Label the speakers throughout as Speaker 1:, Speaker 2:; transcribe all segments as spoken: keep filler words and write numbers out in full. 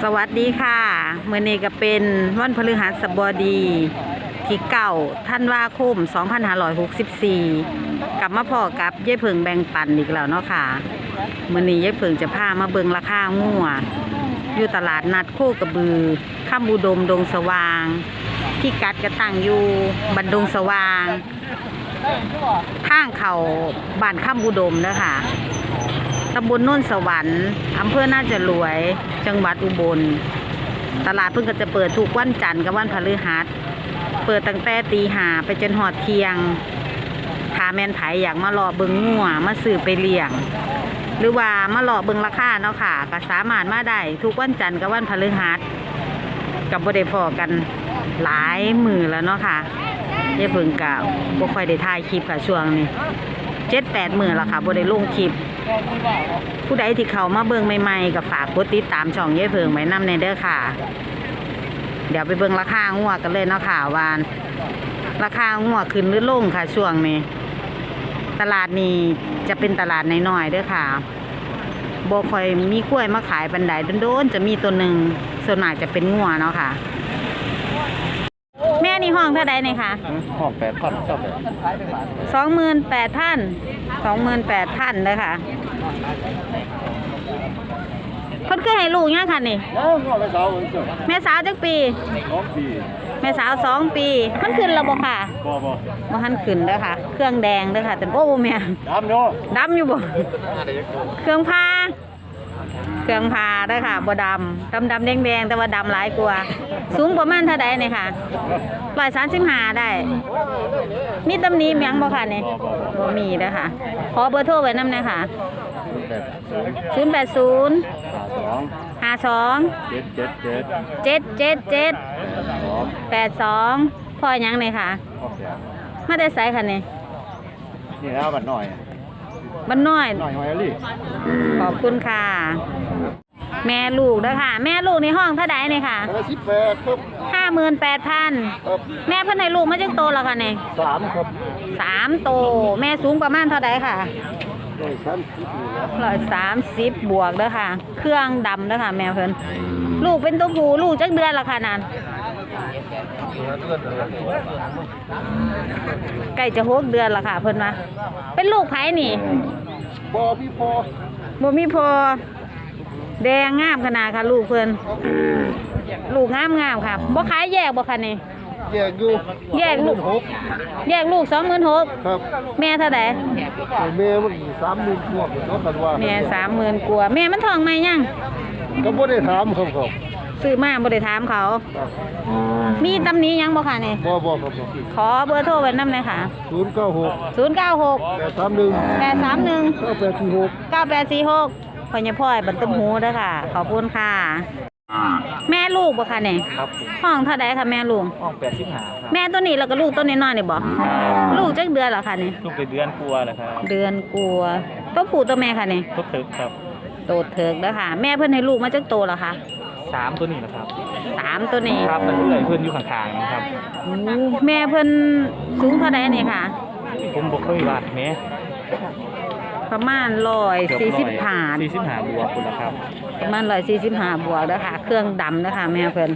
Speaker 1: สวัสดีค่ะมื้อนี้ก็เป็นวันพฤหัสบดีที่เก้าธันวาคมสองพันห้าร้อยหกสิบสี่กลับมาพอกับยายเพิงแบ่งปันอีกแล้วเนาะค่ะมื้อนี้ยายเพิงจะพามาเบิ่งราคางัวอยู่ตลาดนัดโคกระบือค่ำอุดมดงสว่างที่กัดกระตั้งอยู่บันดงสว่างทางเขาบ้านค่ำอุดมเด้อค่ะตำบลโน่นสวรรค์อำเภอน่าจะรวยจังหวัดอุบลตลาดเพิ่งก็จะเปิดทุกวันจันทร์กับวันพฤหัสเปิดตั้งแต่ตีห้าไปจนหอดเที่ยงถ้าแม่นไผอยากมารอเบิ่งงัวมาซื้อไปเลี้ยงหรือว่ามารอเบิ่งราคาเนาะค่ะก็สามารถมาได้ทุกวันจันทร์กับวันพฤหัสกับบ่ได้พอกันหลายมือแล้วเนาะค่ะยายเพิ่งก็บ่ค่อยได้ถ่ายคลิปค่ะช่วงนี้เจ็ดแปดมือแล้วค่ะบ่ได้ลงคลิปผู้ใดที่เขามาเบิ่งใหม่ๆก็ฝากกดติดตามช่องยายเพิงไว้นำในเด้อค่ะเดี๋ยวไปเบิ่งราคางัวกันเลยเนาะค่ะว่าราคางัวขึ้นหรือลงค่ะช่วงนี้ตลาดนี้จะเป็นตลาดน้อยๆเด้อค่ะบ่ค่อยมีกล้วยมาขายปานใดโดนๆจะมีตัวหนึ่งส่วนมากจะเป็นงัวเนาะค่ะแม่นี่ห้องเท่าใดเนี่ยค่ะ
Speaker 2: ห้องแปดพันเจ้าแบบ
Speaker 1: สองหมื่นแปดพันสองหมื่นแปดพันเลยค่ะเพิ่นเคยให้ลูกยังค่ะนี่แม่สาวจักปีแม่สาวสองปีมันขึ้นแล้วบ่ค่ะบ่บ่บ่ทันขึ้นเด้อค่ะเครื่องแดงเด้อค่ะแต่โอ้แม่ดำอยู่ดำอยู่บ่เครื่องพาเครื่องพาเด้อค่ะบ่ดำดำดำแดงแดงแต่ว่าดำหลายกว่าสูงประมาณเท่าใดเนี่ยค่ะร้อยสามสิบห้าได้มีตำหนิหยังบ่ค่ะนี่บ่มีเด้อค่ะขอเบอร์โทรไว้นำหน่อยค่ะศูนย์แปดศูนย์ห้าสองเจ็ดเจ็ดเจ็ดแปดสองพ่อหยังเลยค่ะมาได้ไสค่ะนี่
Speaker 2: นี่แล้วบัดหน่อย
Speaker 1: บัดน้อย
Speaker 2: หน่อยหอยลี่
Speaker 1: ขอบคุณค่ะแม่ลูกเด้อค่ะแม่ลูกในห้องเท่าใดนี่ค่ะ
Speaker 2: สิบแปดครับ
Speaker 1: ห้าหมื่นแปดพันแม่เพิ่นให้ลูกมาจังโตแล้วค่ะนี่
Speaker 2: สามครับ
Speaker 1: สามโตแม่สูงประมาณเท่าใดค่ะร้อยสามสิบบวกเด้อค่ะเครื่องดำเด้อค่ะแม่เพิ่นลูกเป็นตัวผู้ลูกจักเดือนละค่ะนั่นใกล้จะหกเดือนละค่ะเพิ่นมาเป็นลูกไผนี่
Speaker 2: บ่มีพอ
Speaker 1: บ่มีพอแดงงามขนาดค่ะลูกเพิ่นลูกงามงามค่ะบ่ขายแยกบ่ค่ะนี่
Speaker 2: แยกอยู่
Speaker 1: แยกลูกแยกลูกสองหมื่นหก
Speaker 2: ครับ
Speaker 1: แม่เท่าไหร่
Speaker 2: แม่มันสามหมื่นกว่าเนาะกันว่า
Speaker 1: แม่สามหมื่นกว่าแม่มันท้องไหมยัง
Speaker 2: ก็บ่ได้ถามครับครับ
Speaker 1: ซื้อมาบ่ได้ถามเขามีตำหนิยังบ่ค่ะนี่
Speaker 2: บ่บ่ครับ
Speaker 1: ขอเบอร์โทรไว้นำหน่อยค่ะ
Speaker 2: ศูนย์เก้าหก
Speaker 1: ศูนย์เก้าหก
Speaker 2: แปดสามหนึ่ง
Speaker 1: แปดสามหนึ่ง
Speaker 2: เก้าแปดสี่หก
Speaker 1: เก้าแปดสี่หกพ่อใหญ่พ่อยบันตุ้มหูเด้อค่ะขอบคุณค่ะแม่ลูกบ่ค่ะเนี่ย
Speaker 2: ครับ
Speaker 1: ห้องเท่าใดค่ะแม่ลูก
Speaker 2: ห้องแปดสิบห้าครับ
Speaker 1: แม่ตัวนี้แล้วก็ลูกตัวน้อยๆนี่บ่ลูกจักเดือนเหรอคะนี่
Speaker 2: ลูกเป็นเดือนกลัวเหรอครับ
Speaker 1: เดือนกลัวตัวผู้ตัวแม่ค่ะนี่
Speaker 2: ตัวเถิกครับ
Speaker 1: โตเถิกเด้อค่ะแม่เพิ่นให้ลูกมาจักโตเหรอคะ
Speaker 2: สามตัวนี้นะครับ
Speaker 1: สามตัวนี้
Speaker 2: ครับมันเอื้อยเพิ่นอยู่ข้างๆนะครับ
Speaker 1: แม่เพิ่นสูงเท่าใดนี่ค่ะ
Speaker 2: ผมบ่เคยวัดแม่
Speaker 1: ประมาณร้อยสี่สิบห้า
Speaker 2: สี่สิบห้าบวกคุณนะครับ
Speaker 1: ประมาณร้อยสี่สิบห้าบวกเด้อค่ะเครื่องดำเด้อค่ะแม่เพิ่น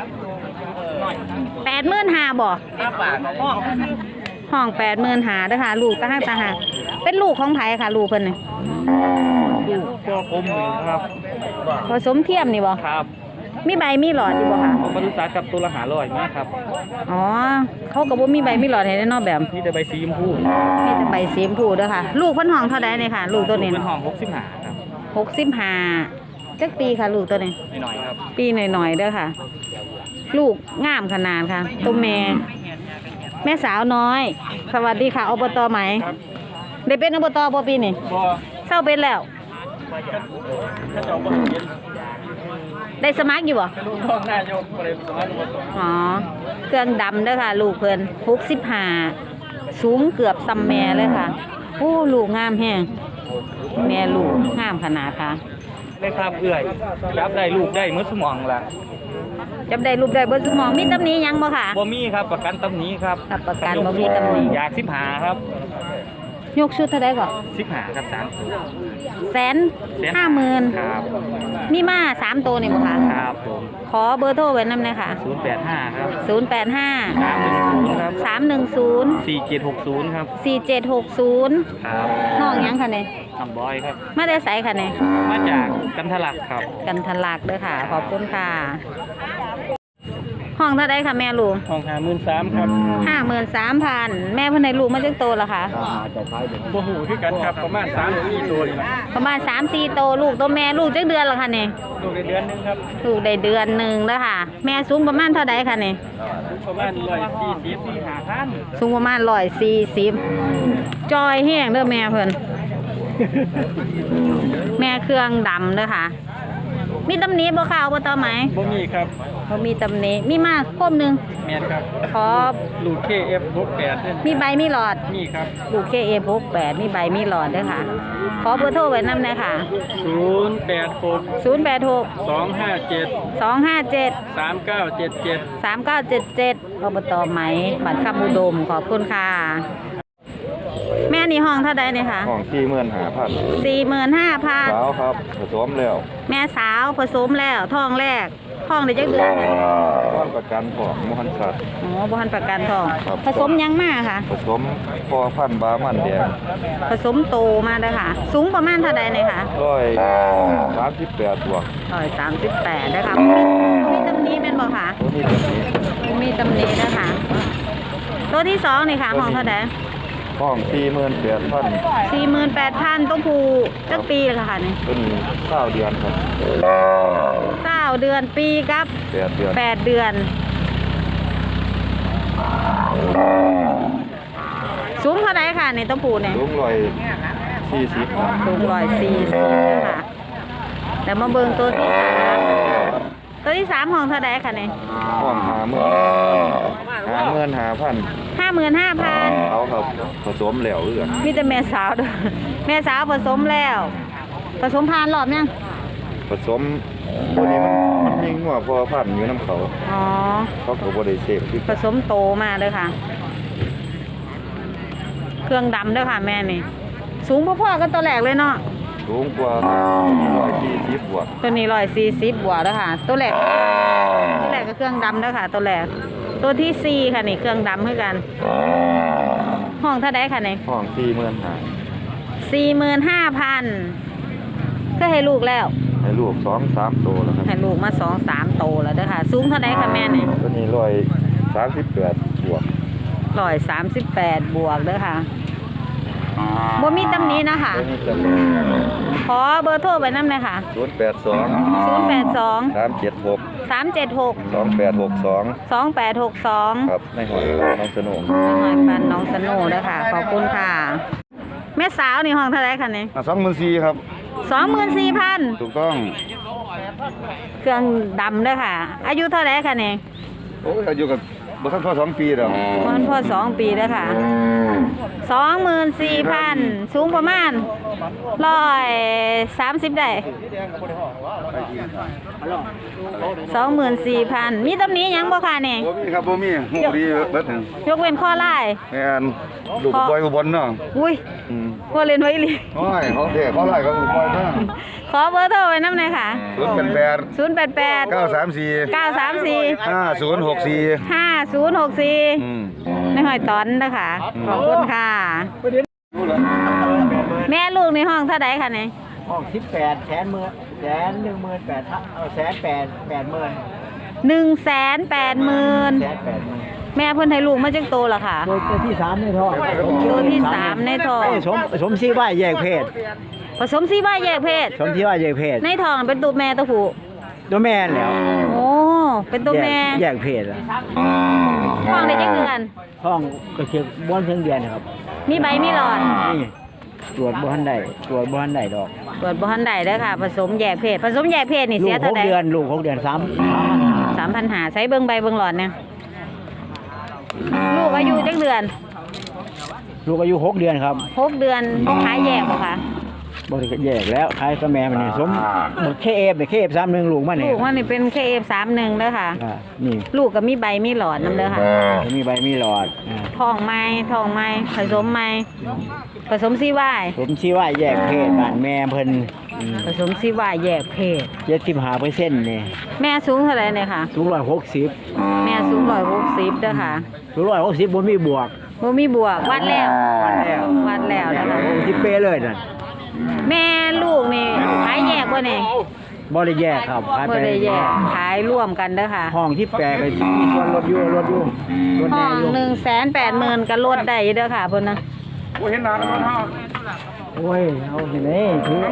Speaker 1: แปดหมื่นห้าบ่ห้องแปดหมื่นห้าเด้อค่ะลูกตาหักตาหักเป็นลูกของไผค่ะลูกเพิ่นนี่
Speaker 2: ลูกพ่อผมนี่ครับ
Speaker 1: ผสมเทียมนี่บ่
Speaker 2: ครับ
Speaker 1: มีใบมีหลอดอยู่บ่ค่ะ
Speaker 2: ผมมาดูสากับตัวละหาร้อยไหมครับ
Speaker 1: อ๋อเขาก็บ่มีใบมีหลอดให้ได้เนาะแบบ
Speaker 2: มีแต่ใบสีชมพู
Speaker 1: มีแต่ใบสีชมพูเด้อค่ะลูกเพิ่นห้องเท่าใดนี่ค่ะลูกตัวนี้
Speaker 2: เป็นห้องหกสิบห้าครับ
Speaker 1: หกสิบห้าจักปีค่ะลูกตัวนี้
Speaker 2: หน่อยครับ
Speaker 1: ปีหน่อยๆเด้อค่ะลูกงามขนาดค่ะตัวแม่แม่สาวน้อยสวัสดีค่ะอบตไหมได้เป็นอบตบ่ปีนี่
Speaker 2: บ่
Speaker 1: เศร้าเป็นแล้วได้สมัครอยู่บ่อ๋อเครื่องดำเด้อค่ะลูกเพิ่นหกสิบห้าสูงเกือบซ้ำแม่เลยค่ะโอ้ลูกงามแฮงแม่ลูกงามขนาดค่ะ
Speaker 2: ได้ครับเอื้อยจับได้ลูกได้เมื่อสมองล่ะ
Speaker 1: จับได้ลูกได้เบิดสมองมีตำหนิยังบ่ค่ะ
Speaker 2: บ่มีครับประกันตำหนิครับ
Speaker 1: ประกันบ่มีตำหนิ
Speaker 2: อยากสิบห้าครับ
Speaker 1: ยกชุดเท่าใดก่อน
Speaker 2: สิบห้าครับสาม
Speaker 1: แสนห้าหมื่น
Speaker 2: ครับ
Speaker 1: มีมาสามตัวนี่บ่คะ
Speaker 2: ครับผม
Speaker 1: ขอเบอร์โทรไว้นำหน่อยค่ะ
Speaker 2: ศูนย์แปดห้าครับ
Speaker 1: ศูนย์แปดห้า
Speaker 2: สามหนึ่งศูนย์ครับ
Speaker 1: สามหนึ่งศูนย์
Speaker 2: สี่เจ็ดหกศูนย์ครับ
Speaker 1: สี่เจ็ดหกศูนย์
Speaker 2: ครับ
Speaker 1: น้องหยังค่ะเนี่ย
Speaker 2: น้องบอยครับ
Speaker 1: มาได้ไสค่ะเนี่ย
Speaker 2: มาจากกันทะลักครับ
Speaker 1: กันทะลักเด้อค่ะ ขอบคุณค่ะ ห้องเท่าไดค่ะแม่ลูก
Speaker 2: ห้องหาหมื่นสามครับ
Speaker 1: ห้าหมื่นสามพันแม่เพิ่นให้ลูกมาจักโตแล้วค่ะ
Speaker 2: บ่หูคือกันครับประมาณสามสี่ตัวนี่แหละ
Speaker 1: ประมาณสามสี่โตลูกตัวแม่ลูกจักเดือนแล้วค่ะเนี่ย
Speaker 2: ลูกในเดือนหนึงครับ
Speaker 1: ลูกได้เดือนหนึ่งแล้วค่ะ แม่สูงประมาณเท่าไดค่ะเนี่ย
Speaker 2: ประมาณร้อยสี่สิบสี่ห้าพัน
Speaker 1: สูงประมาณร้อยสี่สิบจอยแห้งเด้อแม่เพิ่น แม่เครื่องดำเด้อค่ะ มีตำหนิบ่ค่ะเอาบ่ต่อไหม
Speaker 2: บ่มีครับ
Speaker 1: บ่มีตำหนิมีมากคมหนึง
Speaker 2: แมนครับ
Speaker 1: ขอ
Speaker 2: ลูก เค เอฟ หกแปดเนี่ย
Speaker 1: มีใบมีหลอด
Speaker 2: นี่ครับ
Speaker 1: ลูก เค เอ หกแปดมีใบมีหลอดเด้อค่ะ ขอเบอร์โทรไว้นำหน่อยค่ะ
Speaker 2: ศูนย์แปดหก
Speaker 1: ศูนย์แปดหก
Speaker 2: สองห้าเจ็ด
Speaker 1: สองห้าเจ็ด
Speaker 2: สามเก้าเจ็ดเจ็ด
Speaker 1: สามเก้าเจ็ดเจ็ดอบตไหมบัตรคำอุดมขอบคุณค่ะ แม่นี่ห้องเท่าใดเนี่ยค่ะ
Speaker 3: ห้องที่เมื่อนหาพัน
Speaker 1: สี่หมื่นห้าพัน
Speaker 3: สาวครับผสมแล้ว
Speaker 1: แม่สาวผสมแล้วท้องแรกท้องได้จักเดือนค่ะ
Speaker 3: ว่านประกันของมหันสัตว์
Speaker 1: อ๋อบ่ทันประกันท้อง
Speaker 3: ครับ
Speaker 1: ผสมยังมาค่ะ
Speaker 3: ผสมพอพันธุ์บามันแดง
Speaker 1: ผสมโตมาเด้อค่ะ สูงประมาณเท่าใดเนี่ยค่ะ
Speaker 3: ร้อยสามสิบแปดบวก
Speaker 1: ร้อยสามสิบแปดนะคะมีตำหนี้แม่นบอกค่ะ
Speaker 3: ตัวนี้ตัวนี้
Speaker 1: มีตำหนี้นะคะตัวที่สองนี่ค่ะห้องเท่าใด
Speaker 3: ห้องที่เมื่อนแปดพัน
Speaker 1: สี่หมื่นแปดพันต้องผูจักปีเลยค่ะนี่
Speaker 3: ตัวนี้เก้าเดือนครับ
Speaker 1: เก้าเดือนปีกับ
Speaker 3: แปดเดือน
Speaker 1: แปดเดือน สูงเท่าไรค่ะในต้องผูเนี่ย
Speaker 3: สูงร้อยสี่สิบครับ
Speaker 1: สูงร้อยสี่สิบนะคะแต่มาเบิ่งตัวที่สามตัวที่สามห้องเท่าไรค่ะเนี่ย
Speaker 3: ห้องหาเมื่อนหาเมื่อนหาพัน
Speaker 1: ห้าหมื่นห้าพัน
Speaker 3: เอาครับผสมแล้วเอื้อน
Speaker 1: มีแต่แม่สาวด้วยแม่สาวผสมแล้ว ผสมพานรอบยัง
Speaker 3: ผสมตัวนี้มันมันมีงัวพอพันธุ์อยู่น้ำเขา
Speaker 1: อ๋อ
Speaker 3: เขาก็บริเสธที่
Speaker 1: ผสมโตมาเลยค่ะ เครื่องดำด้วยค่ะแม่นี่ สูงพ่อๆก็ตัวแรกเลยเนาะ
Speaker 3: สูงกว่าร้อยสี่สิบบวก
Speaker 1: ตัวนี้ร้อยสี่สิบบวกแล้วค่ะ ตัวแรกตัวแรกก็เครื่องดำด้วยค่ะ ตัวแรกตัวที่สี่ค่ะนี่เครื่องดำเหมือนกัน ห้องเท่าไดค่ะนี่
Speaker 3: ห้องสี่เมื่อนหา
Speaker 1: สี่หมื่นห้าพันก็ให้ลูกแล้ว
Speaker 3: ให้ลูกสองสามตัวแล้วครับ
Speaker 1: ให้ลูกมาสองสามโตแล้วเด้อค่ะ สูงเท่าไดค่ะแม่นี่
Speaker 3: ตัวนี้ร้อยสามสิบแปดบวก
Speaker 1: ร้อยสามสิบแปดบวกเด้อค่ะบ่มีตำหนี้นะคะ
Speaker 3: ตัวนี้จะ
Speaker 1: ขอเบอร์โทรไปน้ำเลยค่ะ
Speaker 3: ศูนย์แปดสอง
Speaker 1: ศูนย์แปดสอง
Speaker 3: สามเจ็ดหก
Speaker 1: สามเจ็ดหก
Speaker 3: สองแปดหกสอง
Speaker 1: สองแปดหกสอง
Speaker 3: ครับในหอยน้องสนุก
Speaker 1: หน่อยปันน้องสโนุเด้อค่ะ ขอบคุณค่ะ แม่สาวนี่ห้องเท่าไรคะนี่
Speaker 3: สองหมื่นสี่ครับ
Speaker 1: สองหมื่นสี่พัน
Speaker 3: ถูกต้อง
Speaker 1: เครื่องดำเด้อค่ะ อายุเท่าไรคะนี่
Speaker 3: โอ้ยอายุกับบ่ทันพอสองปีแล้ว
Speaker 1: มันพอสองปีเด้อค่ะสองหมื่นสี่พันสูงประมาณร้อยสามสิบได้สองหมื่นสี่พันมีตำหนี้ยังบ่ค่ะนี่
Speaker 3: บ่มีครับบ่มีหูดีเบิดหนึ่ง
Speaker 1: ยกเว้นข้อไล่
Speaker 3: แม่นลูกบอยอุบลเนาะ
Speaker 1: อุ้ย
Speaker 3: อืม
Speaker 1: พอเล่นไว้อีหลี
Speaker 3: โอ้ยเขาเท่เขาไล่กับลูกบอยเนาะ
Speaker 1: ขอเบอร์โทรไว้น้ำหน่อยค่ะ
Speaker 3: ศูนย์แปดแปด
Speaker 1: ศูนย์แปดแปด
Speaker 3: เก้าสามสี่
Speaker 1: เก้าสามสี่
Speaker 3: ห้าศูนย์หกสี่
Speaker 1: ห้าศูนย์หกสี่
Speaker 3: อืม
Speaker 1: ในหอยตอนนะคะขอบคุณค่ะ แม่ลูกในห้องเท่าไดค่ะเนี่ย
Speaker 4: ห้องสิบแปดแสนหมื่นแสนหนึ่งหมื่นแปดพันเอาแสนแปดแปดหมื่น
Speaker 1: หนึ่งแสนแปดหมื่น
Speaker 4: แสนแปดหมื่น
Speaker 1: แม่เพิ่นให้ลูกมาจักโตละค่ะ
Speaker 4: โดยตัวที่สามในท้อง
Speaker 1: ตัวที่สามในท้อง
Speaker 4: ไอ้สมสมซีว่าแยกเพศ
Speaker 1: ผสมซีว่าแยกเพศ
Speaker 4: สมที่ว่าแยกเพศ
Speaker 1: ในท้องเป็นตัวแม่ตัวผู้
Speaker 4: ตัวแม่นแล้ว
Speaker 1: โอ้เป็นตัวแม่
Speaker 4: แยกเพศอะ
Speaker 1: ท้องได้จักเดือน
Speaker 4: ท้องก็เชือกบ้านเพียงเดือนนะครับ
Speaker 1: มีใบมีหลอด
Speaker 4: นี่ตรวจบ้านใดตรวจบ้านใดดอก
Speaker 1: ตรวจบ่ทันได้เด้อค่ะ ผสมแยกเพศ ผสมแยกเพศนี่
Speaker 4: ลู
Speaker 1: เสีย
Speaker 4: กห
Speaker 1: เท่าก ใด
Speaker 4: เดือนลูกหกเดือนสามสามพันห้า
Speaker 1: สามพันหาใช้เบิ่งใบเบิ่งหลอดเนี่ยลูกอายุจักเดือน
Speaker 4: ลูกอายุหกเดือนครับ
Speaker 1: หกเดือนขายแยกบ่คะ
Speaker 4: บ่ได้แยกแล้วขายกับแม่มันนี่สมบ่เคเอฟเนี่ยเคเอฟสามหนึ่งลูกมันนี่
Speaker 1: ลูกมันนี่เป็น เค เอฟ สามสิบเอ็ดเด้อค่ะ
Speaker 4: อ่านี่
Speaker 1: ลูกก็มีใบมีหลอดนำเด้อค่ะ
Speaker 4: มีใบมีหลอดอ่า
Speaker 1: ท้องไม้ท้องไม้ผสมไม้ผสมซีวาย
Speaker 4: ผมชี้ว่าแยกเพศบ้านแม่เพิ่น
Speaker 1: ผสมซีวายแยกเพศ
Speaker 4: เจ็ดสิบห้าเปอร์เซ็นต์เนี่ย
Speaker 1: แม่สูงเท่าไหร่เนี่ยค่ะ
Speaker 4: สูงร้อยหกสิบ
Speaker 1: แม่สูงร้อยหกสิบเด้อค่ะ
Speaker 4: สูงร้อยหกสิบบนมีบวก
Speaker 1: บ่มีบวกวัดแล้ว
Speaker 4: วัดแล้ว
Speaker 1: วัดแล้วนะคะ
Speaker 4: ที่เป้เลยนั่น
Speaker 1: แม่ลูกนี่ขายแยกบ่เนี่ย
Speaker 4: บ่ได้แยกครับขาย
Speaker 1: บ่
Speaker 4: ไป
Speaker 1: ได้แยกขายร่วมกันเด้อค่ะ
Speaker 4: ห้องที่แปลก็มีส่วนลดอยู่ลดอยู่ลด
Speaker 1: ห้
Speaker 4: แน่
Speaker 1: อง
Speaker 4: อยู่
Speaker 1: หนึ่งแสนแปดหมื่นก็ลดได้อยู่เด้อค่ะเพิ่นนะ
Speaker 2: โอ้เห็นหน้าแล้วมันเฮา
Speaker 4: โอ้ยเอาสิเด้ถือ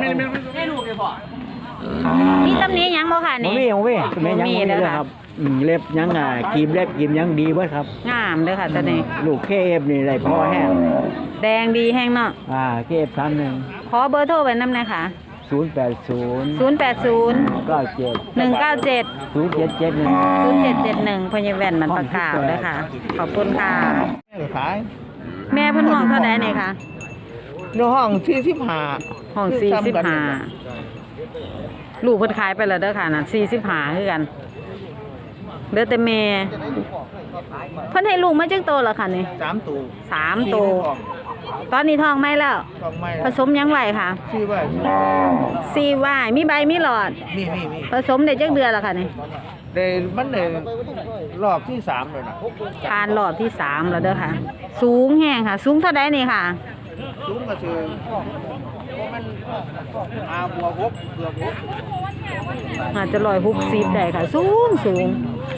Speaker 1: มีตำหนิหยังบ่ค่ะ
Speaker 4: บ่
Speaker 1: นี่
Speaker 4: มีบ่มีแม่ยัง
Speaker 1: บ่มี
Speaker 4: บ่มี
Speaker 1: เด้อ
Speaker 4: เลย
Speaker 1: ค่ะ
Speaker 4: ครับอืมเล็บยังอ่ะครีมเล็บครีมยังดีเบิดครับ
Speaker 1: งามเด้อค่ะตัวนี้
Speaker 4: ลูกเคเอฟนี่ได้พอแห้ง
Speaker 1: แดงดีแห้งเนาะ
Speaker 4: อ่าเคเอฟสามหนึ่ง
Speaker 1: ขอเบอร์โทรไว้นำหน่อยค่ะ
Speaker 4: ศูนย์แปดศูนย์
Speaker 1: ศูนย์แปดศูนย์
Speaker 4: เก้าเจ็ด
Speaker 1: หนึ่งเก้าเจ็ด
Speaker 4: ศูนย์เจ็ดเจ็ดหนึ่ง
Speaker 1: ศูนย์เจ็ดเจ็ดหนึ่งพญาแว่นมันประกาศด้วยค่ะ ขอบคุณค่ะ
Speaker 3: ขาย
Speaker 1: แม่เพิ่นห้องเท่าไหร่เนี่ยค่ะ
Speaker 3: อยู่ห้องที่สิบห้า
Speaker 1: ห้องสี่สิบห้าลูกเพิ่นขายไปแล้วเด้อค่ะน่ะสี่สิบห้าคือกันเด้อแต่แม่เพิ่นให้ลูกมาจักโตแล้วค่ะนี่
Speaker 3: สามตู
Speaker 1: สามโตตอนนี้ท้องไหมแล้ว
Speaker 3: ต้องไม่
Speaker 1: ผสมยังไหวค่ะ
Speaker 3: ชื่อว่า
Speaker 1: สี่วายมีใบมีหลอด
Speaker 3: นี่นี่นี่
Speaker 1: ผสมได้จักเดือนแล้วค่ะนี่
Speaker 3: เดยมันเลยรอบที่สามเลยนะ
Speaker 1: ผ่านรอบที่สามแล้วเด้อค่ะ สูงแห้งค่ะ สูงเท่าใดนี่ค่ะ
Speaker 3: ซุ้มก็คือมันอาบัวหกเกือบหก
Speaker 1: อาจจะลอยฮุกซีบได้ค่ะ สูงสูง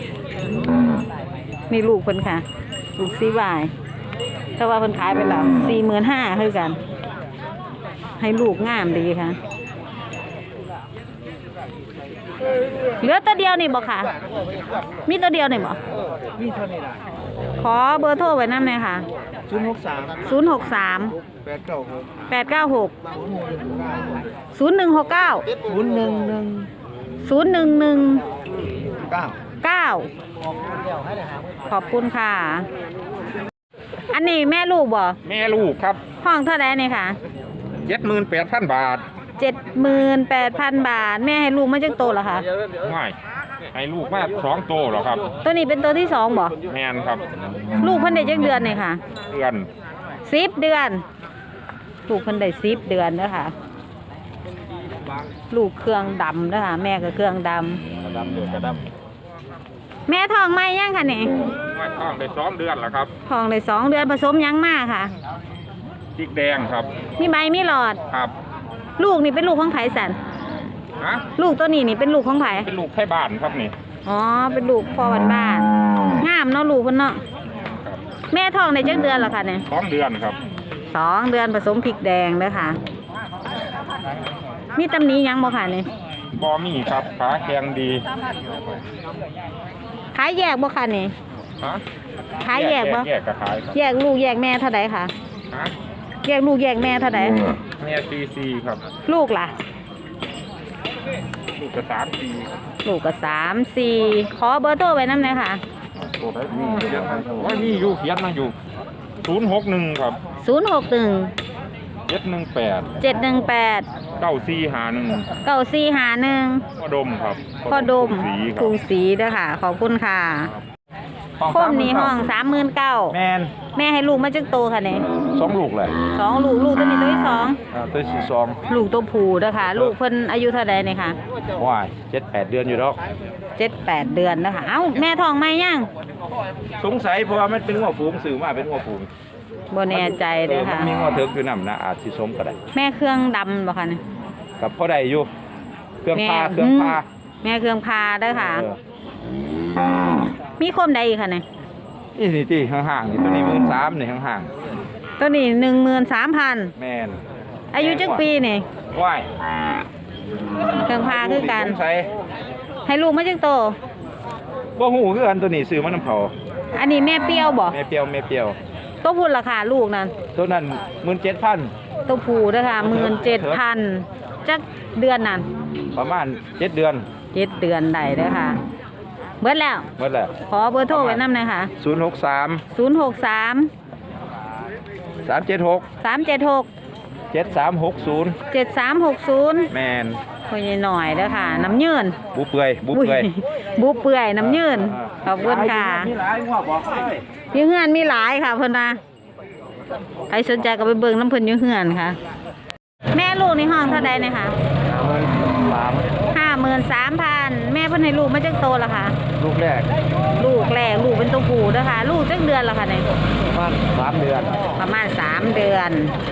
Speaker 1: มีลูกเพิ่นค่ะ ลูกซีวายแต่ว่าเพิ่นขายไปแล้วสี่หมื่นห้าคือกัน ให้ลูกงามดีค่ะ เหลือตัวเดียวนี่บ่ค่ะ มีตัวเดียวนี่บ่
Speaker 3: นี่เท่านี้นะ
Speaker 1: ขอเบอร์โทรไว้นำหน่อยค่ะ
Speaker 3: ศูนย์หกสาม
Speaker 1: ศูนย์หกสาม
Speaker 3: แปดเก้าหก
Speaker 1: แปดเก้าหกศูนย์หนึ่งหกเก้า
Speaker 3: ศูนย์หนึ่งหนึ่ง
Speaker 1: ศูนย์หนึ่งหนึ่ง
Speaker 3: เก้า
Speaker 1: เก้าขอบคุณค่ะ อันนี้แม่ลูกบ่
Speaker 2: แม่ลูกครับ
Speaker 1: ห้องเท่าไหร่นี่ค่ะ
Speaker 2: เจ็ดหมื่นแปดพันบาท
Speaker 1: เจ็ดหมื่นแปดพันบาท แม่ให้ลูกมาจักโตแล้วค่ะ
Speaker 2: ง่ายให้ลูกมาสองโตเหรอครับ
Speaker 1: ตัวนี้เป็นตัวที่สองบ่
Speaker 2: แมนครับ
Speaker 1: ลูกเพิ่นได้จักเดือนนี่ค่ะ
Speaker 2: เดือน
Speaker 1: สิบเดือน ลูกเพิ่นได้สิบเดือนเด้อค่ะ ลูกเครื่องดำเด้อค่ะ แม่ก็เครื่องด
Speaker 2: กระดำเดือนกระด
Speaker 1: ำแม่ท้องไหมยังค่ะนี่
Speaker 2: ำว่าท้องได้สองเดือนแล้วครับ
Speaker 1: ท้องได้สองเดือนผสมยังมากค่ะ
Speaker 2: พริกแดงครับ
Speaker 1: มีใบมีหลอด
Speaker 2: ครับ
Speaker 1: ลูกนี่เป็นลูกของไผสัน
Speaker 2: ฮะ
Speaker 1: ลูกตัวนี้นี่เป็นลูกของไผ
Speaker 2: เป็นลูกไทยบ้านครับนี่
Speaker 1: อ๋อ เป็นลูกพ่อบ้านบ้านงามเนาะลูกเพิ่นเนาะ แม่ท้องได้จักเดือนแล้วค่ะเนี่ย
Speaker 2: สองเดือนครับ
Speaker 1: สองเดือนผสมพริกแดงเด้อค่ะ มีตำหนี้ยังบ่ค่ะนี่
Speaker 2: บอมี่ครับขาแข็งดี
Speaker 1: ขายแยกบ่ค่ะนี่
Speaker 2: ฮะ
Speaker 1: ขายแยกบ่
Speaker 2: แยกกระขายครับ
Speaker 1: แยกลูกแยกแม่เท่าใดค่ะ
Speaker 2: ฮะ
Speaker 1: แยกลูกแยกแม่เท่าใด
Speaker 2: แม่ซีซีครับ
Speaker 1: ลูกล่ะ
Speaker 2: ลูกกระสามปีครับ
Speaker 1: ลูกก็สามสี่ขอเบอร์โทรไว้นำหน่อยค่ะ
Speaker 2: โอ้ยนี่เขียนมาว่านี่อยู่เขียนมาอยู่ศูนย์หกหนึ่งครับ
Speaker 1: ศูนย์หกหนึ่ง
Speaker 2: เจ็ดหนึ่งแปด
Speaker 1: เจ็ดหนึ่งแปด
Speaker 2: เก้าสี่หาหนึ่ง
Speaker 1: เก้าสี่ห้าหนึ่ง
Speaker 2: พ่อดมครับ
Speaker 1: พ่อดม
Speaker 2: สีค
Speaker 1: ก
Speaker 2: รั
Speaker 1: รุ
Speaker 2: บ
Speaker 1: งศรีเด้อค่ะ ขอบคุณค่ะ
Speaker 2: ห้อง
Speaker 1: โคมนี้ห้องสามหมื่นเก้า
Speaker 2: แมน
Speaker 1: แม่ให้ลูกมาจักโตค่ะเนี่ย
Speaker 2: สองลูกเลย
Speaker 1: สองลูกลูกตัวนี้ตัวที่สอง
Speaker 2: อ่าตัวที่สอง
Speaker 1: ลูกตัวผู้เด้อค่ะ ลูกเพิ่นอายุเท่าใดเนี่ยค่ะ
Speaker 2: ว้ายเจ็ดแปดเดือนอยู่แล้ว
Speaker 1: เจ็ดแปดเดือนนะคะเอ้าแม่ท้องไหมยัง
Speaker 2: สงสัยเพราะว่ามันเป็นหัวฝูงสื่อมาเป็นหัวฝูง
Speaker 1: บ่แน่ใจเด้อค่ะ
Speaker 2: มันมีหัวเถิกอยู่นำนะอาจสิสมก็ได้
Speaker 1: แม่เครื่องดำบ่ค่ะเนี่ย
Speaker 2: กับพ่อใดอยู่เครื่องพา
Speaker 1: แม่
Speaker 2: เครื่องพา
Speaker 1: แม่เครื่องพาเด้อค่ะ
Speaker 2: เออ
Speaker 1: มีคมใดอีกค่ะเนี่ย
Speaker 2: นี่นี่ที่ห่างๆนี่ตัวนี้หมื่นสามนี่ห่าง
Speaker 1: ตัวนี้หนึ่งหมื่นสามพัน
Speaker 2: ๆแมน
Speaker 1: อายุจักปีนี่
Speaker 2: ว้าย
Speaker 1: เครื่องพาคือกัน
Speaker 2: สงสัย
Speaker 1: ให้ลูกมาจักโต
Speaker 2: บ่ฮู้คือกันตัวนี้ซื้อมาน้ำเผา
Speaker 1: อันนี้แม่เปรี้ยวบ่
Speaker 2: แม่เปรียวแม่เปรียว
Speaker 1: ตัวพูดราคาลูกนั่น
Speaker 2: ตัวนั้นหมื่นเจ็ดพัน
Speaker 1: ตัวผู้เด้อค่ะหมื่นเจ็ดพันจักเดือนนั่น
Speaker 2: ประมาณเจ็ดเดือน
Speaker 1: เจ็ดเดือนได้เด้อค่ะ เบิดแล้ว
Speaker 2: หมดแล้ว
Speaker 1: ขอเบอร์โทรไว้นำหน่อยค่ะ
Speaker 2: ศูนย์หกสาม
Speaker 1: ศูนย์หกสาม
Speaker 2: สามเจ็ดหก
Speaker 1: สามเจ็ดหก
Speaker 2: เจ็ดสามหกศูนย์
Speaker 1: เจ็ดสามหกศูนย์
Speaker 2: แมน
Speaker 1: คุยหน่อยเด้อค่ะ น้ำยืน
Speaker 2: บุเปื่อยบุเปื่อย
Speaker 1: บุเปื่อยน้ำยืนขอบคุณค่ะ
Speaker 2: มีหลายหัวบอกเลย
Speaker 1: อยูเฮือนมีหลายค่ะเพิ่นนะใครสนใจก็ไปเบิ่งน้ำเพิ่นอยูเฮือนค่ะ แม่ลูกในห้องเท่าใดเนี่ยค่ะ
Speaker 3: สหมื่นสาม
Speaker 1: ห้าหมื่นสามพันแม่เพิ่นให้ลูกมาจักโตละค่ะ
Speaker 3: ลูกแรก
Speaker 1: ลูกแรกลูกเป็นตัวผู้เด้อค่ะ ลูกจักเดือนละค่ะเนี่ย
Speaker 3: ประมาณสามเดือน
Speaker 1: ประมาณสามเดือน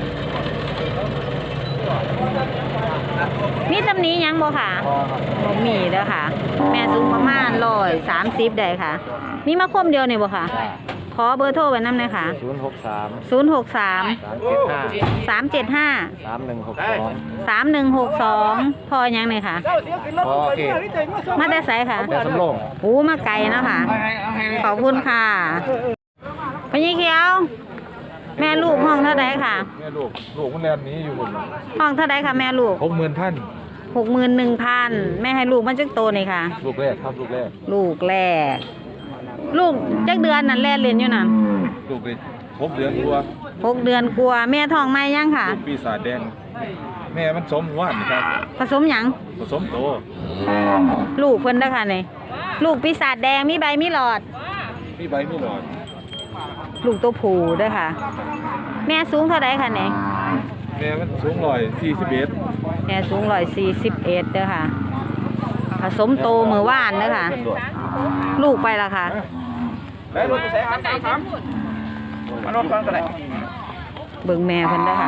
Speaker 1: มีตำหนี้ยังบ่ค่ะ
Speaker 3: พอครับ
Speaker 1: บ่มีเด้อค่ะ แม่สูงประมาณร้อยสามสิบได้ค่ะ มีมาคมเดียวนี่บ่ค่ะ ขอเบอร์โทรไว้นำหน่อยค่ะ
Speaker 3: ศูนย์หกสาม
Speaker 1: ศูนย์หกสาม
Speaker 3: สามเจ็ดห้า
Speaker 1: สามเจ็ดห้า
Speaker 3: สามหนึ่งหกสอง
Speaker 1: สามหนึ่งหกสองพอยังเลยค่ะ
Speaker 3: พอโอเค
Speaker 1: มาแต่ไสค่ะ
Speaker 3: แต่สำโรง
Speaker 1: โอ้มาไกลเนาะค่ะ ขอบคุณค่ะพญเขียว แม่ลูกห้องเท่าไดค่ะ
Speaker 2: แม่ลูกลูกมันแลนนี้อยู่บน
Speaker 1: ห้องเท่าไดค่ะแม่ลูก
Speaker 2: หกหมื่นพัน
Speaker 1: หกหมื่นหนึ่งพันแม่ให้ลูกมันจักโตนี่ค่ะ
Speaker 2: ลูกแรกครับลูกแรก
Speaker 1: ลูกแรก ลูกจักเดือนนั่นแล่เรียนอยู่นั่น
Speaker 2: ลูกเลยหกเดือนตัว
Speaker 1: หกเดือนกลัวาแม่ท้องไหมยังค่ะ
Speaker 2: ลูกปีศาจแดง แม่มันสมว่านครับ
Speaker 1: ผสมหยัง
Speaker 2: ผสมโต
Speaker 1: ลูกเพิ่นเด้อค่ะนี่ลูกปีศาจแดงมีใบมีหลอด
Speaker 2: มีใบมีหลอด
Speaker 1: ลูกตัวผู้เด้อค่ะ แม่สูงเท่าไดค่ะนี่
Speaker 2: แม่มันสูงร้อยสี่สิบเอ็ด
Speaker 1: แม่สูงร้อยสี่สิบเอ็ดเด้อค่ะ ผสมโตมือว่านเด้อค่ะ ลูกไปละค่ะ
Speaker 3: แล้วรถแสงสามสามมารถฟังกันไหน
Speaker 1: เบิ่งแม่เพิ่นเด้อค่ะ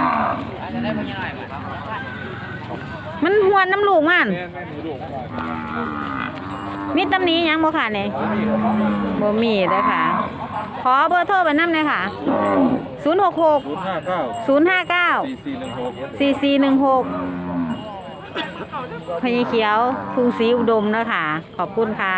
Speaker 1: มันหวนน้ำลูกมัน
Speaker 2: แม่แม่มีลูก
Speaker 1: มีตำหนี้ยังบ่ค่ะนี่บ่มีเด้อค่ะ ขอเบอร์โทรไปนำเลยค่ะ ศูนย์ หก หก
Speaker 2: ศูนย์ห้าเก้า
Speaker 1: ศูนย์ ห้า เก้า
Speaker 2: สี่สี่หนึ่งหก
Speaker 1: สี่ สี่ หนึ่งหกพญเขียวทุ่งศรีอุดมเด้อค่ะ ขอบคุณค่ะ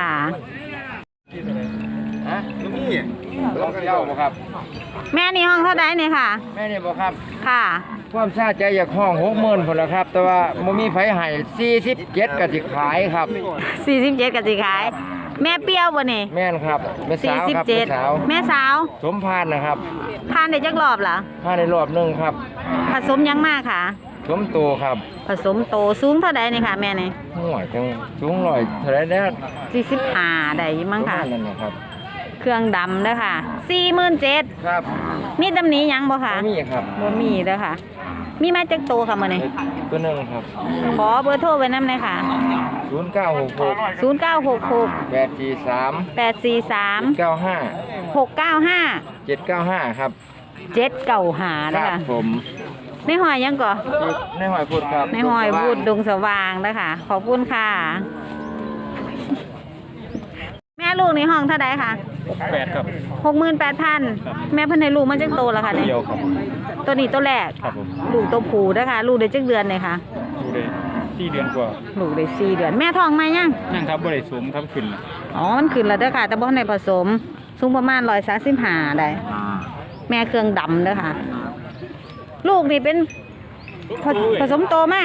Speaker 3: ฮะนี่ลองกันเย้าบ่ครับ
Speaker 1: แม่นี่ห้องเท่าใดเนี่ยค่ะ
Speaker 3: แม่นี่บ่ครับ
Speaker 1: ค่ะ
Speaker 3: ความซาใจอยากห้องหกหมื่นพุ่นละครับ แต่ว่าบ่มีไผให้สี่สิบเจ็ดก็สิขายครับ
Speaker 1: สี่สิบเจ็ดกะสิขาย แม่เปรี้ยวบ่นี่
Speaker 3: แม่นครับแม่
Speaker 1: สี่
Speaker 3: สาว
Speaker 1: สิบ
Speaker 3: ครับ
Speaker 1: เจ็ด
Speaker 3: แม่สาว
Speaker 1: แม่สาว
Speaker 3: สมพานนะครับ
Speaker 1: ทานได้จักรอบเหรอ
Speaker 3: พานในรอบหนึงครับ
Speaker 1: ผสมยังมากค่ะ
Speaker 3: สมโตครับ
Speaker 1: ผสมโตสูงเท่าใดนี่ค่ะ แม่นี่
Speaker 3: ห่วยจังสูงร้อยเท่าไหร่แล้ว
Speaker 1: สี่สิบห้าได้มั้งค่ะ
Speaker 3: นั่นนะครับ
Speaker 1: เครื่องดำเด้อค่ะสี่หมื่นเจ็ด
Speaker 3: ครับ
Speaker 1: มีตำหนี้ยังบ่ค่ะ
Speaker 3: บ่มีครับ
Speaker 1: บ่มีเด้อค่ะ มีมาจักโตค่ะมื้อนี้
Speaker 3: ตัวหนึงครับ
Speaker 1: ขอเบอร์โทรไว้นำเลยค่ะ
Speaker 3: ศูนย์เก้าหกหก
Speaker 1: ศูนย์ เก้า หก หก
Speaker 3: แปดสี่สาม
Speaker 1: แปด สี่ สาม
Speaker 3: เก้าห้า
Speaker 1: หก เก้า ห้า
Speaker 3: เจ็ดเก้าห้าครับ
Speaker 1: เจ็ดเก้าห้า
Speaker 3: ค
Speaker 1: เด้อ
Speaker 3: รับ
Speaker 1: ค่ะ
Speaker 3: ผม
Speaker 1: ในหอยยังก่อ
Speaker 3: ในหอยพูดครับ
Speaker 1: ในหอยบูดดงสว่างเด้อค่ะ ขอบคุณค่ะ แม่ลูกในห้องเท่าใดค่ะ
Speaker 2: แปดครับ
Speaker 1: หกหมื่นแปดพันแม่เพิ่นให้ลูกมันจักโตแล้วค่ะเนี่ย
Speaker 2: เดียวครับ
Speaker 1: ตัวนี้ตัวแรก
Speaker 2: ครับผม
Speaker 1: ลูกตัวผู้เด้อค่ะ ลูกได้จักเดือนเลยค่ะ
Speaker 2: ดูได้สี่เดือนกว่า
Speaker 1: ลูกได้สี่เดือน แม่ท้องไหมยัง
Speaker 2: นั่งครับบริสุทธิ์ครับขึ้นแล้ว
Speaker 1: อ๋อ มันขึ้นแล้วเด้อค่ะ แต่บ่ทันได้ผสม สูงประมาณร้อยสามสิบห้าได้ แม่เครื่องดำเด้อค่ะ ลูกนี่เป็นผผสมโตมา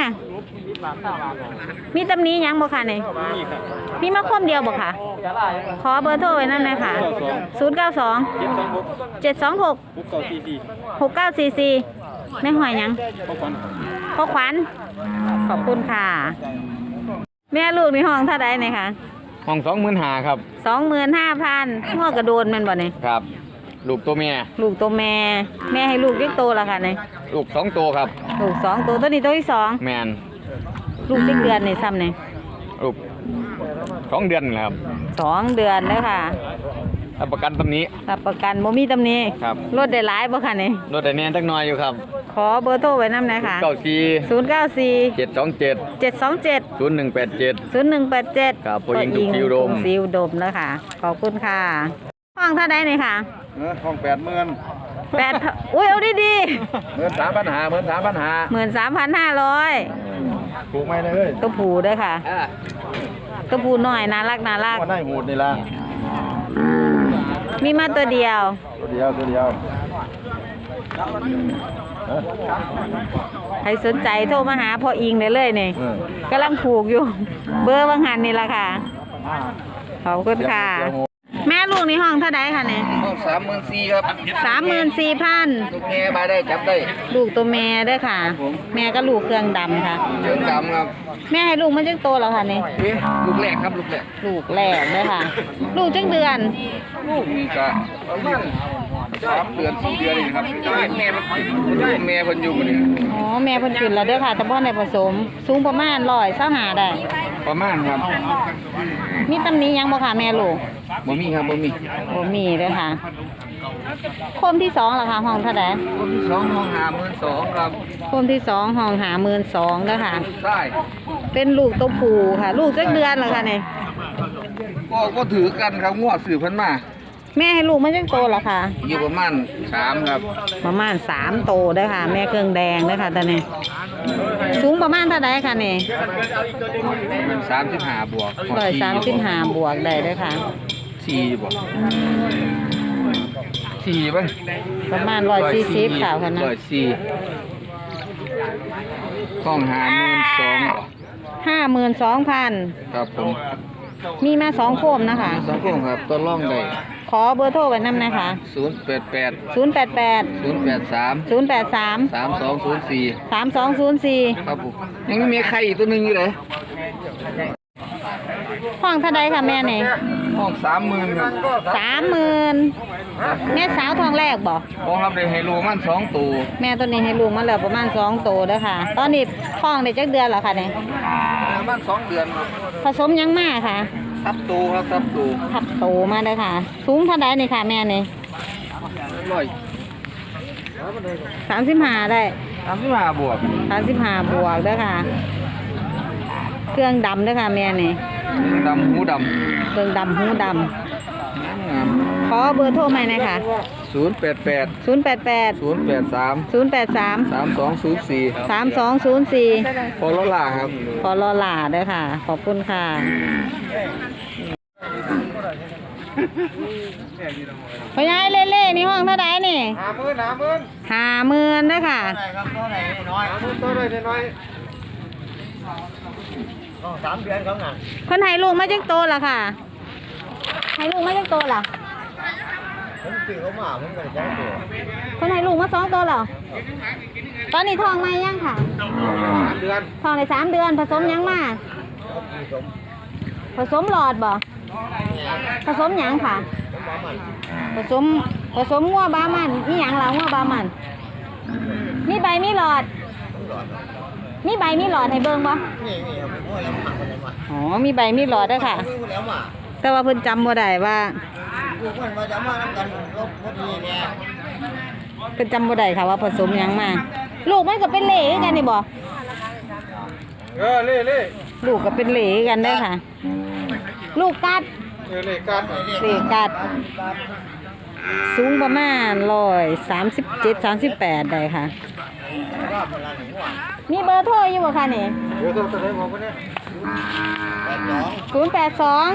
Speaker 1: มีตำหนี้ยังบ่ค่ะนี่
Speaker 2: นี่ครับ
Speaker 1: มีมาคมเดียวบ่ค่ะ ขอเบอร์โทรไว้นั่นเลยค่ะศูนย์ เก้า สอง
Speaker 2: เจ็ดสองหก
Speaker 1: เจ็ด สอง หก
Speaker 2: หกเก้าสี่สี่
Speaker 1: หก เก้า สี่ สี่แม่หอยยัง
Speaker 2: พ่อควัน
Speaker 1: พ่อขวัญ ขอบคุณค่ะ แม่ลูกในห้องเท่าใดเนี่ยค่ะ
Speaker 3: ห้องสองหมื่นหาครับ
Speaker 1: สองหมื่นห้าพันหัวกระโดนแมันบ่เนี่ย
Speaker 3: ครับ ลูกตัวเมีย
Speaker 1: ลูกตัวแม่ แม่ให้ลูกเล็กโตแล้วค่ะเนี่ย
Speaker 3: ลูกสองตัวครับ
Speaker 1: ลูกสองตัวตัวนี้ตัวที่สอง
Speaker 3: แมน
Speaker 1: ลูกเจ็ดเดือนนี่ซ้ำเนี่ย
Speaker 3: ลูกสองเดือนแล้วครับ
Speaker 1: สองเดือนเลยค่ะ
Speaker 3: รับประกันตำนี้
Speaker 1: รับประกันบ่มีตำหนี้
Speaker 3: ครับ
Speaker 1: รถได้หลายบ่ค่ะเนี่ย
Speaker 3: รถแต่แน่นจักหน่อยอยู่ครับ
Speaker 1: ขอเบอร์โทรไว้นำหน่อยค่ะ
Speaker 3: เก้าสี่
Speaker 1: ศูนย์ เก้า สี่
Speaker 3: เจ็ดสองเจ็ด
Speaker 1: เจ็ด สอง เจ็ด
Speaker 3: ศูนย์หนึ่งแปดเจ็ด
Speaker 1: ศูนย์ หนึ่ง แปด เจ็ด
Speaker 3: ครับผู้หญิงทุกซิวดม
Speaker 1: ผู้หญิงทุกซิวดมนะคะขอบคุณค่ะ ห้องเท่าใดนี่ค่ะ
Speaker 3: เออห้องแปดหมื่น
Speaker 1: แปดอุ้ยเอาดี
Speaker 3: หมื่นสามพันหาหมื่นสามพันหา
Speaker 1: ๆหมื่นสามพันห้าร้อย
Speaker 3: ถูกไหมเลย
Speaker 1: ตัวผูด้วยค่ะตัวผูหน่อยน่ารักน่ารัก
Speaker 3: ว่าได้หูดนี่ละ
Speaker 1: มีมาตัวเดียว
Speaker 3: ตัวเดียวตัวเดียวเออ
Speaker 1: ใครสนใจโทรมาหาพ่ออิงได้เลยนี่
Speaker 3: เออก
Speaker 1: ำลังผูกอยู่ เบอร์บางหันนี่ละค่ะ ขอบคุณค่ะ แม่ลูกในห้องเท่าใดค่ะเนี่ย
Speaker 3: ห้องสามหมื่นสี่ครับ
Speaker 1: สามหมื่นสี่พัน
Speaker 3: ลูกแม่มาได้จับได้
Speaker 1: ลูกตัวแม่ด้วยค่ะ แม่ก็ลูกเครื่องดำค่ะ
Speaker 3: เชิงดำครับ
Speaker 1: แม่ให้ลูกมันจังโตแล้วค่ะนี่
Speaker 3: เอ๊ะลูกแรกครับลูกแรก
Speaker 1: ลูกแรกเลยค่ะ ลูกจังเดือน
Speaker 3: ลูกนี่ก็ประมาณสามเดือนสี่เดือนเองครับแม่มันแม่เพิ่นอยู่บ่นี่
Speaker 1: อ๋อแม่เพิ่นขึ้นแล้วเด้อค่ะ แต่บ่ได้ผสม สูงประมาณร้อยเศร้าหาได้
Speaker 3: ประมาณครับ
Speaker 1: มีตำหนิหยังบ่ค่ะแม่ลูก
Speaker 3: บ่มีครับบ่มี
Speaker 1: บ่มีเด้อค่ะโคมที่สองล่ะค่ะห้องเท่าใด
Speaker 3: คนที่สองห้องหาหมื่นสองครับ
Speaker 1: โคมที่สองห้องหาหมื่นสองเด้อค่ะ
Speaker 3: ใช่
Speaker 1: เป็นลูกตัวผู้ค่ะ ลูกจักเดือนแล้วค่ะนี่
Speaker 3: ก็ก็ถือกันครับงวดสื่อเพิ่นมา
Speaker 1: แม่ให้ลูกมันจังโตแล้วค่ะ
Speaker 3: อยู่ประมาณสามครับ
Speaker 1: ประมาณสามโตเด้อค่ะ แม่เครื่องแดงเด้อค่ะตอนนี้ สูงประมาณเท่าใดค่ะนี่
Speaker 3: สามสิบห้าบวก
Speaker 1: ร้อยสามสิบห้าบวกได้เด้อค่ะ
Speaker 3: สี่บวกสี่ป่ะ
Speaker 1: ประมาณร้อยสี่สิบค่ะค่ะนะ
Speaker 3: ร้อยสี่ห้องหาหมื่นสอง
Speaker 1: ห้าหมื่นสองพัน
Speaker 3: ครับผม
Speaker 1: มีมาสองโคมนะคะ
Speaker 3: สองคนครับตัวร่องได้
Speaker 1: ขอเบอร์โทรไว้นำนะคะ
Speaker 3: ศูนย์แปดแปด
Speaker 1: ศูนย์แปดแปด
Speaker 3: ศูนย์แปดสาม
Speaker 1: ศูนย์แปดสาม
Speaker 3: สามสองศูนย์สี่
Speaker 1: สามสองศูนย์สี่
Speaker 3: ครับผมยังมีใครอีกตัวหนึ่งอยู่เลย
Speaker 1: ห้องเท่าใดค่ะแม่นี่
Speaker 3: ห้องสามหมื่นครับ
Speaker 1: สามหมื่นแม่สาวทองแรกบอก
Speaker 3: ห้องรับได้ไฮโลมันสองตัว
Speaker 1: แม่ตัวนี้ให้ลูกมาแล้วประมาณสองโตเด้อค่ะ ตอนนี้ท้องได้จักเดือนแล้วค่ะเนี่ย
Speaker 3: ประมาณสองเดือนครับ
Speaker 1: ผสมยังมาค่ะ
Speaker 3: ทับตัวครับทับตัว
Speaker 1: ทับโตมาเด้อค่ะ สูงเท่าใดนี่ค่ะแม่นี่
Speaker 3: ร้อย
Speaker 1: สามสิบห้าได้
Speaker 3: สามสิบห้าบวก
Speaker 1: สามสิบห้าบวกเด้อค่ะ เครื่องดำเด้อค่ะแม่นี่
Speaker 3: ดำหูด
Speaker 1: เครื่องดำหูด
Speaker 3: ำงาม
Speaker 1: ำขอเบอร์โทรใหม่หน่อยค่ะ
Speaker 3: ศูนย์แปดแปด
Speaker 1: ศูนย์แปดแปด
Speaker 3: ศูนย์แปดสาม
Speaker 1: ศูนย์แปดสาม
Speaker 3: สามสองศูนย์สี่
Speaker 1: สามสองศูนย์สี่
Speaker 3: พอลล่าครับ
Speaker 1: ขอรอหลาเด้อค่ะ ขอบคุณค่ะพยายเล่เล่ๆนี่ห้องเท่าไดนี่
Speaker 3: หาหมื่นหาหมื่น
Speaker 1: ห้าหมื่นเด้อค่ะ
Speaker 3: ครับตัวไหนน้อยหาหมื่นตัวไหนน้อยสามเดือนครับน่ะ
Speaker 1: คนให้ลูกมาจักโตล่ะค่ะ ให้ลูกมาจักโตล่ะ
Speaker 3: ผมตื่นเขามาผมก็จะตัว
Speaker 1: คนให้ลูกมาสองโตแล้วตอนนี้ท้องไหมยังค่ะ
Speaker 3: สามเดือน
Speaker 1: ท้องในสามเดือนผสมยังมา ผสมหลอดบ่ผสมหยังค่ะ ผสมผสมงัวบามันนี่หยังล่ะงัวบามันมีใบมีหลอด มีใบมีหลอดให้เบิ่งบ่
Speaker 3: นี่นี่ครับผมว่าแล้วหมักมันเลยมา
Speaker 1: อ๋อมีใบมีหลอดเด้อค่ะ
Speaker 3: พูดแล้วมา
Speaker 1: แต่ว่าเพิ่นจำบ่ได้ว่า
Speaker 3: ลูกมันมาจะมาทำกันลบพอดีเนี่ย
Speaker 1: เพิ่นจำบ่ได้ค่ะว่าผสมหยังมา ลูกมันก็เป็นเหล่คือกันนี่บ่
Speaker 3: เออเล่เล่
Speaker 1: ลูกก็เป็นเหล่คือกันเด้อค่ะ ลูกกัด
Speaker 3: เออเล่กัด
Speaker 1: เหล่กัด สูงประมาณร้อยสามสิบเจ็ดสามสิบแปดได้ค่ะ มีเบอร์โทรอยู่บ่คะนี่
Speaker 3: เดี๋ยวตัวไหนบอกว่าเนี่ยแปดสอง
Speaker 1: ศูนย์แปดสอง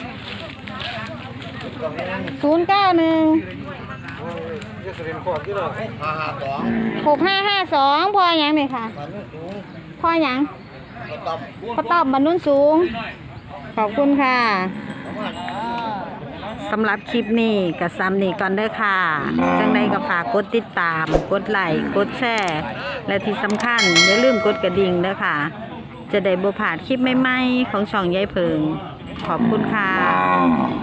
Speaker 1: ศูนย์เก้าหนึ่ง
Speaker 3: จะเรียนขอบที่เราห้าห้าสอง
Speaker 1: หกห้าห้าสองพอหยังนี่ค่ะ
Speaker 3: ตอนนี้สูง
Speaker 1: พอหยัง
Speaker 3: ก็ต่ำ
Speaker 1: พอตอบบรรนุนสูง ขอบคุณค่ะสำหรับคลิปนี้กับซ้ำนี่ก่อนเด้อค่ะ จังใดก็ฝากกดติดตาม กดไลค์ กดแชร์ และที่สำคัญอย่าลืมกดกระดิ่งเด้อค่ะ จะได้บ่พลาดคลิปใหม่ๆของช่องยายเพิง ขอบคุณค่ะ